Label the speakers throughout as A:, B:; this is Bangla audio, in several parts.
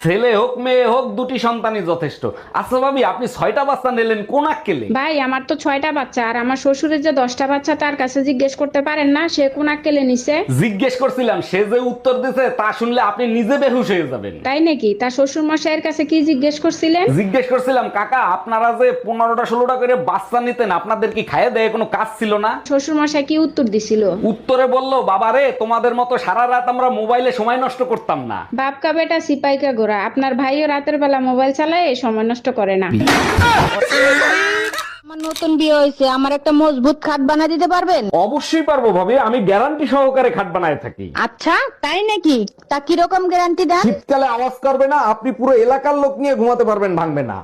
A: ছেলে হোক মেয়ে হোক দুটি সন্তানই যথেষ্ট। আচ্ছা ভাবি, আপনি 6টা বাচ্চা নিলেন কোন আক্কেলে?
B: ভাই আমার তো 6টা বাচ্চা, আর আমার শ্বশুরের যে 10টা বাচ্চা তার কাছে জিজ্ঞেস করতে পারেন না সে কোন আক্কেলে নিছে?
A: জিজ্ঞেস করছিলাম, সে যে উত্তর দিছে তা শুনলে আপনি নিজে বেহুশ হয়ে যাবেন।
B: তাই নাকি? তার শ্বশুর মশাইয়ের কাছে কি জিজ্ঞেস করছিলেন?
A: জিজ্ঞেস করছিলাম, কাকা আপনারা যে 15টা 16টা করে বাচ্চা নিতেন, আপনাদের কি খাইয়ে দেয় কোনো কাজ ছিল না?
B: শ্বশুর মশাই কি উত্তর দিছিল?
A: উত্তরে বললো, বাবা রে, তোমাদের মতো সারা রাত আমরা মোবাইলে সময় নষ্ট করতাম না।
B: বাপকা বেটা সিপাইকা গোরা, আপনার ভাইও রাতের বেলা মোবাইল চালায় সময় নষ্ট করে না।
C: আমার নতুন বিয়ে হয়েছে, আমার একটা মজবুত খাট বানিয়ে দিতে পারবেন?
A: অবশ্যই পারবো ভাবি, আমি গ্যারান্টি সহকারে খাট বানায় থাকি।
C: আচ্ছা তাই নাকি? তা কিরকম গ্যারান্টি দেন?
A: শীতকালে আওয়াজ করবে না, আপনি পুরো এলাকার লোক নিয়ে ঘুমাতে পারবেন, ভাঙবে না।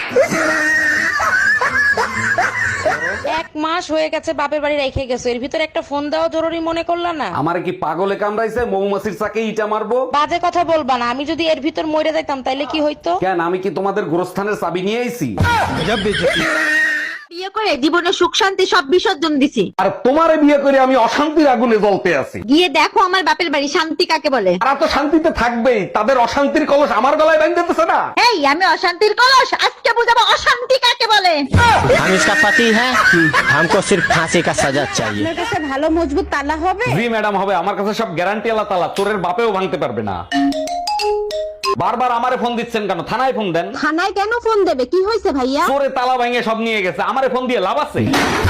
D: 1 মাস হয়ে গেছে বাপের বাড়ি রেখে গেছো, এর ভিতরে একটা ফোন দেওয়া জরুরি মনে করলা না?
A: আমারে কি পাগলে কামড়াইছে, মৌমাছির চাকে ইটা মারবো?
D: বাজে কথা বলবা না, আমি যদি এর ভিতর মরে যাইতাম তাইলে কি হইতো?
A: কেন, আমি কি তোমাদের গোরস্থানের চাবি নিয়ে আইছি?
C: বিয়ে করে জীবনে সুখ শান্তি সব বিসর্জন দিছি।
A: আর তোমারে বিয়ে করে আমি অশান্তির আগুনে জ্বলতে আছি।
C: গিয়ে দেখো আমার বাপের বাড়ি শান্তি কাকে বলে।
A: তারা তো শান্তিতে থাকবেই, তাদের অশান্তির কলস আমার গলায় বাঁধতেছে না।
C: এই আমি অশান্তির কলস, আজকে বুঝাবো অশান্তি কাকে বলে।
E: हम इसका पति है, हमको सिर्फ फांसी का सजा चाहिए।
C: আপনার কাছে ভালো মজবুত তালা হবে?
A: জি ম্যাডাম হবে, আমার কাছে সব গ্যারান্টি আল্লাহ তাআলা, চোরের বাপেও ভাঙতে পারবে না। বারবার আমারে ফোন দিচ্ছেন কেন? থানায় ফোন দেন।
C: থানায় কেন ফোন দেবে? কি হয়েছে ভাইয়া?
A: চোরে তালা ভাঙে সব নিয়ে গেছে, আমারে ফোন দিয়ে লাভ আছে?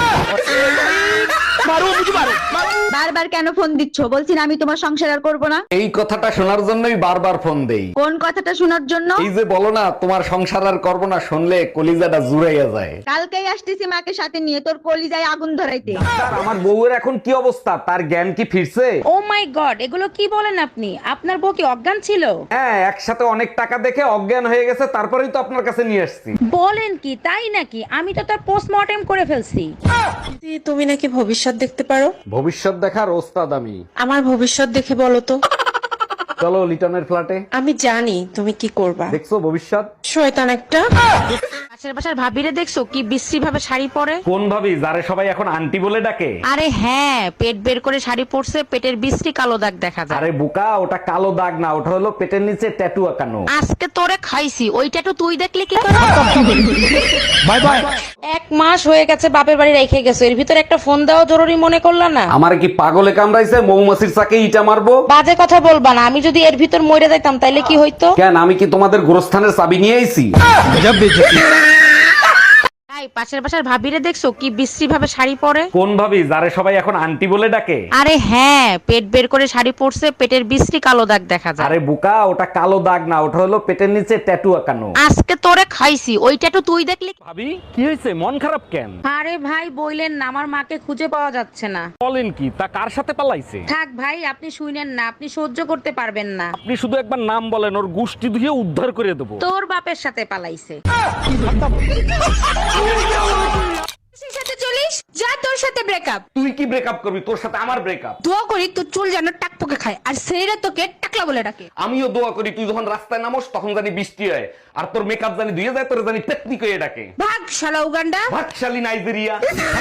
C: বারবার কেন ফোন দিচ্ছ? বলছি না আমি তোমার সংসার আর করবো না।
A: এই কথাটা শোনার জন্যই বারবার ফোন দেই।
C: কোন কথাটা শোনার জন্য?
A: এই যে বলো না তোমার সংসার আর করবো না, শুনলে কলিজাটা জুড়াইয়া যায়।
C: কালকেই আসতেছি মাকে সাথে নিয়ে তোর কলিজায় আগুন ধরাইতে।
A: স্যার, আমার বউয়ের এখন কি অবস্থা? তার জ্ঞান কি ফিরছে?
D: ও মাই গড, এগুলো কি বলেন আপনি? আপনার বউ কি অজ্ঞান ছিল?
A: হ্যাঁ, একসাথে অনেক টাকা দেখে অজ্ঞান হয়ে গেছে, তারপরেই তো আপনার কাছে নিয়ে আসছি।
D: বলেন কি, তাই নাকি? আমি তো তার পোস্টমর্টেম করে ফেলছি।
F: তুমি নাকি ভবিষ্যৎ দেখতে পারো?
A: ভবিষ্যৎ দেখার ওস্তাদ আমি।
F: আমার ভবিষ্যৎ দেখে বলো তো।
A: চলো লিটনের ফ্ল্যাটে।
F: আমি জানি তুমি কি করবা।
A: দেখছো ভবিষ্যৎ?
F: শয়তান একটা।
D: পাশের বাসার ভাবিরে দেখছো কি বিশ্রী ভাবে শাড়ি পরে?
A: কোন ভাবি, যারে সবাই এখন আন্টি বলে ডাকে?
D: আরে হ্যাঁ, পেট বের করে শাড়ি পরছে, পেটের বিশ্রী কালো দাগ দেখা যায়।
A: আরে বোকা, ওটা কালো দাগ না, ওটা হলো পেটের নিচে ট্যাটু আঁকানো।
D: আজকে তোরে খাইছি, ওইটা তো তুই দেখলে কি করে?
E: Bye bye.
D: 1 মাস হয়ে গেছে বাপের বাড়ি রেখে গেছো, এর ভিতরে একটা ফোন দেওয়া জরুরি মনে করলা না?
A: আমার কি পাগলে কামড়াইছে, মৌমাছির চাকে ইটা মারবো?
D: বাজে কথা বলবা না, আমি যদি এর ভিতর মরে যাইতাম তাইলে কি হইতো?
A: কেন, আমি কি তোমাদের গোরস্থানের চাবি নিয়ে আইছি?
D: তাই পাশের বাসার ভাবিরে দেখছো কি বিশ্রী ভাবে শাড়ি পরে?
A: কোন ভাবি, যারে সবাই এখন আন্টি বলে ডাকে?
D: আরে হ্যাঁ, পেট বের করে শাড়ি পরছে, পেটের বিশ্রী কালো দাগ দেখা যায়।
A: আরে বোকা, ওটা কালো দাগ না, ওটা হলো পেটের নিচে ট্যাটু আঁকানো।
D: আজকে তোরে খাইছি, ওইটা তো তুই দেখলি।
A: ভাবি, কি হয়েছে, মন খারাপ কেন?
D: আরে ভাই বইলেন না, আমার মাকে খুঁজে পাওয়া যাচ্ছে না।
A: বলেন কি, তা কার সাথে পালাইছে?
D: থাক ভাই, আপনি শুনেন না, আপনি সহ্য করতে পারবেন না।
A: আপনি শুধু একবার নাম বলেন, ওর গুষ্টি ধুয়ে উদ্ধার করে দেবো।
D: তোর বাপের সাথে পালাইছে।
G: সাথে চলিস যা, তোর সাথে ব্রেকআপ।
A: তুই কি ব্রেকআপ করবি? তোর সাথে আমার ব্রেকআপ।
G: দোয়া করি তোর চুল যেন টাকপোকে খায়, আর ছেলেরা তোকে টাকলা বলে ডাকে।
A: আমিও দোয়া করি তুই যখন রাস্তায় নামোস তখন জানি বৃষ্টি হয়, আর তোর মেকআপ জানি ধুয়ে যায়, তোর জানি পেতনি করে ডাকে।
G: ভাগ শালা উগান্ডা।
A: ভাগশালী নাইজেরিয়া।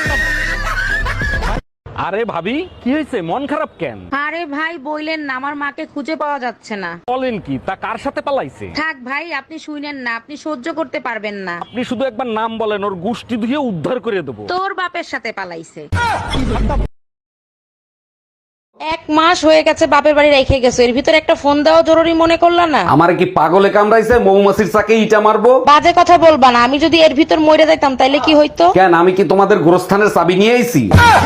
A: আরে ভাবি, কি হয়েছে, মন খারাপ কেন?
D: আরে ভাই বইলেন না, আমার মাকে খুঁজে পাওয়া যাচ্ছে না।
A: বলেন কি, তা কার সাথে পালাইছে?
D: থাক ভাই, আপনি শুনেন না, আপনি সহ্য করতে পারবেন না।
A: আপনি শুধু একবার নাম বলেন, ওর গুষ্টি ধুয়ে উদ্ধার করে দেবো।
D: তোর বাপের সাথে পালাইছে। 1 মাস হয়ে গেছে বাপের বাড়ি রেখে গেছো, এর ভিতরে একটা ফোন দেওয়া জরুরি মনে করলা না?
A: আমার কি পাগলে কামড়াইছে, মৌমাছির চাকে ইটা মারবো?
D: বাজে কথা বলবা না, আমি যদি এর ভিতর মরে যাইতাম তাইলে কি হইতো?
A: কেন, আমি কি তোমাদের গোরস্থানের চাবি নিয়ে আইছি?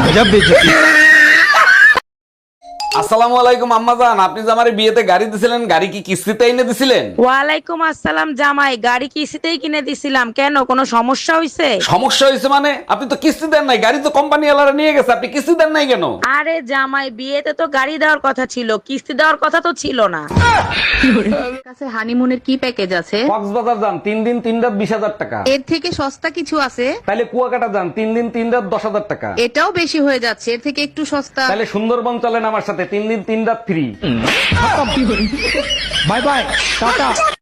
A: আসসালামু আলাইকুম আম্মাজান, আপনি যে আমার বিয়েতে গাড়ি দিছিলেন, গাড়ি কি কিস্তিতে এনে দিছিলেন?
D: ওয়ালাইকুম আসসালাম জামাই, গাড়ি কিস্তিতেই কিনে দিছিলাম। কেন, কোনো সমস্যা হইছে?
A: সমস্যা হয়েছে মানে? আপনি তো কিস্তি দেন নাই, গাড়ি তো কোম্পানি ওয়ালারা নিয়ে গেছে, আপনি কিস্তি দেন নাই কেন?
D: আরে জামাই, বিয়েতে তো গাড়ি দেওয়ার কথা ছিল, কিস্তি দেওয়ার কথা তো ছিল না।
H: কাছে হানিমুনের কি প্যাকেজ আছে?
A: কক্সবাজার যান 3 দিন 3 রাত 20,000 টাকা।
H: এর থেকে সস্তা কিছু আছে?
A: তাহলে কুয়াকাটা যান 3 দিন 3 রাত 10,000 টাকা।
H: এটাও বেশি হয়ে যাচ্ছে, এর থেকে একটু সস্তা।
A: তাহলে সুন্দরবন চলেন আমার সাথে, 3 দিন 3 রাত ফ্রি।
E: Bye bye, Tata.